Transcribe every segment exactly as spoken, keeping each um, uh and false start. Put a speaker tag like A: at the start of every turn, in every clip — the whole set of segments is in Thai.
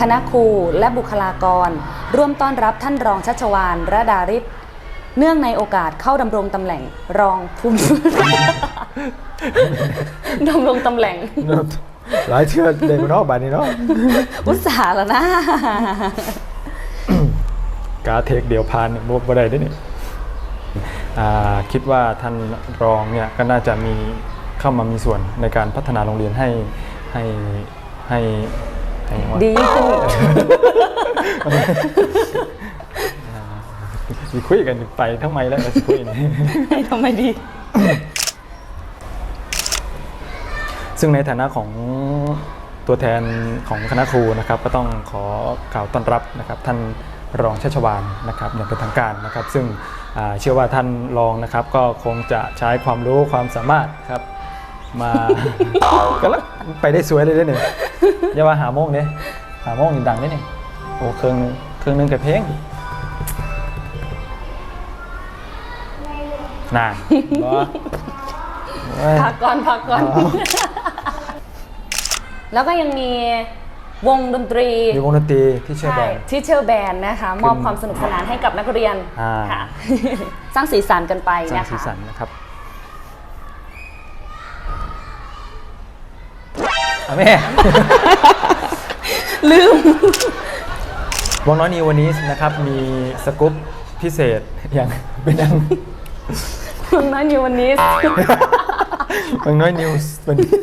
A: คณะครูและบุคลากรร่วมต้อนรับท่านรองชัชวาลระดาริศเนื่องในโอกาสเข้าดำรงตำแหน่งรองผู้ ดำรงตำแหน่ง
B: หลายเชื่อเด็กมันนอกบ้านนี้เนาะ
A: อุตส่าห์แล้วนะ
B: กาเทคเดียวพานบ่บ่ได้เด้นี่คิดว่าท่านรองเนี่ยก็น่าจะมีเข้ามามีส่วนในการพัฒนาโรงเรียนให้ให้ให้ให้ว่า
A: ดีขึ้น
B: สิคุยกันไปทั้งไมแล้วสิคุยนี่
A: ให้ทำไมดี
B: ซึ่งในฐานะของตัวแทนของคณะครูนะครับก็ต้องขอกล่าวต้อนรับนะครับท่านรองชัชวาลนะครับอย่างเป็นทางการนะครับซึ่งเชื่อว่าท่านรองนะครับก็คงจะใช้ความรู้ความสามารถครับมา ก็แล้วไปได้สวยเลยได้เนี่ยอย่าว่าหาโมงเนี่ยหาโมงนี่ดังได้เนี่ยโอ้เครื่องนึงเครื่องนึงกับเพลงน่า
A: พักก่อนพักก่อน แล้วก็ยังมีวงดนตรี
B: มีวงดนตรีที่เชื่อแบนด์
A: ที่เชอร์แบนนะคะมอบความสนุกสนานให้กับนักเรียนค่ะ สร้างสีสันกันไป
B: สร้าง
A: นะคะ
B: สีสันนะครับแม่
A: ลืม
B: วังน้อยนิววันนี้นะครับมีสกู๊ปพิเศษอย่างเป็นยัง
A: วังน้อยนิววันนี้
B: วังน้อยนิวส์วันนี้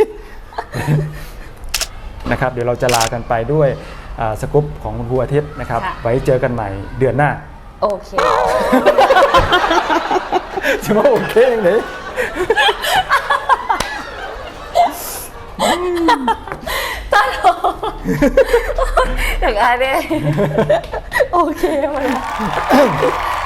B: นะครับเดี๋ยวเราจะลากันไปด้วยสกู๊ปของคุณครูอาทิตย์นะครับไว้เจอกันใหม่เดือนหน้า
A: โอเค
B: จะมาโอเคยังไง
A: ตาโตอย่างไรเนี่ยโอเคมา